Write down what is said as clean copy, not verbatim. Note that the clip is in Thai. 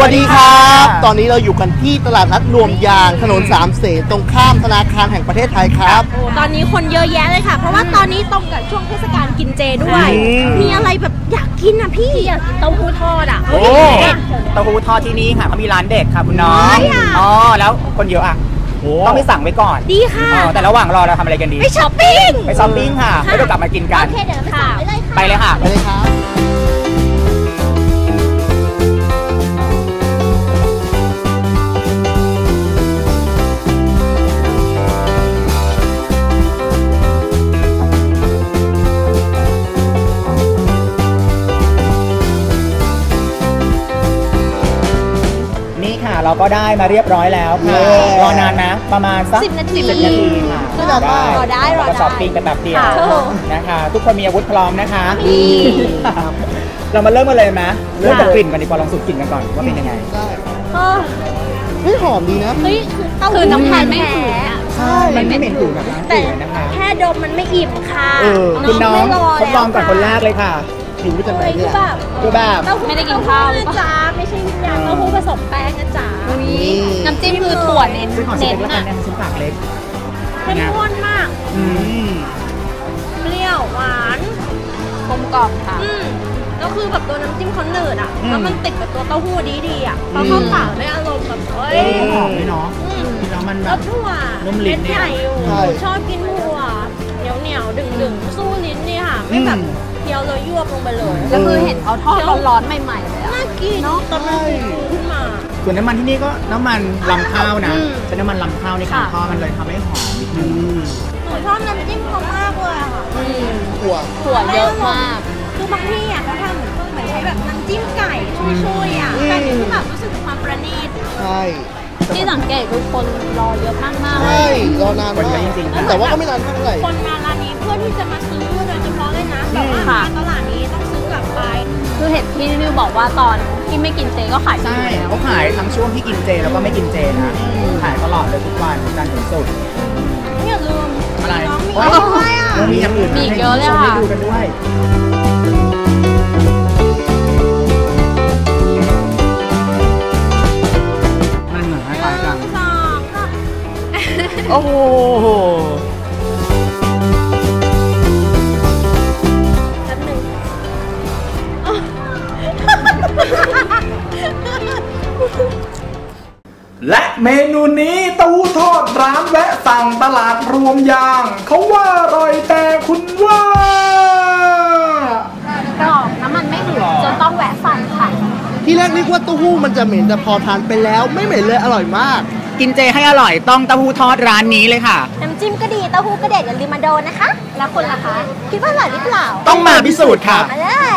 วัสดีครับตอนนี้เราอยู่กันที่ตลาดนัดรวมยางถนนสามเสนตรงข้ามธนาคารแห่งประเทศไทยครับโอ้ตอนนี้คนเยอะแยะเลยค่ะเพราะว่าตอนนี้ตรงกับช่วงเทศกาลกินเจด้วยมีอะไรแบบอยากกินอ่ะพี่อยากกินเต้าหู้ทอดอ่ะโอ้เต้าหู้ทอดที่นี่ค่ะเขามีร้านเด็ดค่ะคุณน้องอ๋อแล้วคนเยอะอ่ะต้องไปสั่งไว้ก่อนดีค่ะแต่ระหว่างรอเราทำอะไรกันดีไปช้อปปิ้งค่ะแล้วเดี๋ยวกลับมากินกันโอเคเดี๋ยวค่ะไปเลยค่ะครับเราก็ได้มาเรียบร้อยแล้วค่ะรอนานนะประมาณสัก 10 นาทีค่ะรอได้ก็ช้อปปิ้งกันแบบเดียวนะคะทุกคนมีอาวุธพร้อมนะคะเรามาเริ่มกันเลยไหมเริ่มจากกลิ่นกันดีกว่าลองสูดกลิ่นกันก่อนว่าเป็นยังไงได้หอมดีนะคือน้ำตาลไม่แพ้ใช่มันไม่เหม็นหูแบบร้านอื่นนะคะแค่ดมมันไม่อิ่มค่ะคุณน้องทดลองก่อนคนแรกเลยค่ะหิวไปจากไหนเนี่ยคือแบบไม่ได้กินข้าวนะจ๊ะไม่ใช่ยาเต้าหู้ผสมแป้งนะจ๊ะน้ำจิ้มคือถั่วเน้นน่ะชิ้นปากเล็กเข้มข้นมากเปรี้ยวหวานกลมกล่อมค่ะก็คือแบบตัวน้ำจิ้มเขาหนืดอ่ะแล้วมันติดกับตัวเต้าหู้ดีอ่ะพอเข้าปากได้อารมณ์แบบหอมเลยเนาะแล้วมันแบบถั่วเม็ดใหญ่อยู่ชอบกินถั่วเหนียวดึงสู้ลิ้นนี่ค่ะไม่แบบเคี้ยวเลยยวบลงไปเลยแล้วคือเห็นเขาทอดร้อนๆใหม่ๆเลยน่ากินเนาะตอนมันขึ้นมาส่วนน้ำมันที่นี่ก็น้ำมันลำข้าวนะเป็นน้ำมันลำข้าวในการทอดมันเลยทำให้หอมนิดนึงหนูชอบน้ำจิ้มเขามากเลยค่ะถั่วเยอะมากคือบางที่อ่ะเขาทำเหมือนใช้แบบน้ำจิ้มไก่ช่วยๆอ่ะแต่นี่คือแบบรู้สึกความประณีตใช่ที่สังเกตคือคนรอเยอะมากๆใช่รอนานมากจริงแต่ว่าก็ไม่นานเท่าไหร่คนมาร้านนี้เพื่อที่จะมาซื้อโดยเฉพาะเลยนะแต่ว่ามาตลาดนี้ต้องซื้อกลับไปคือเห็นพี่นิวบอกว่าตอนที่ไม่กินเจก็ขายใช่เขาขายทั้งช่วงที่กินเจแล้วก็ไม่กินเจนะขายตลอดเลยทุกวันจันทร์ถึงศุกร์อย่าลืมอะไรมีอย่างอื่นมีเยอะเลยค่ะดูกันด้วยมันเหมือนคล้ายๆกันโอ้โหและเมนูนี้เต้าหู้ทอดร้านแวะสั่งตลาดรวมยางเขาว่าอร่อยแต่คุณว่ากรอบน้ำมันไม่หืดจนต้องแวะสั่งค่ะที่แรกนึกว่าเต้าหู้มันจะเหม็นแต่พอทานไปแล้วไม่เหม็นเลยอร่อยมากกินเจให้อร่อยต้องเต้าหู้ทอดร้านนี้เลยค่ะน้ำจิ้มก็ดีเต้าหู้ก็เด็ดอย่าลืมมาโดนนะคะแล้วคุณล่ะคะคิดว่าอร่อยหรือเปล่าต้องมาพิสูจน์ค่ะ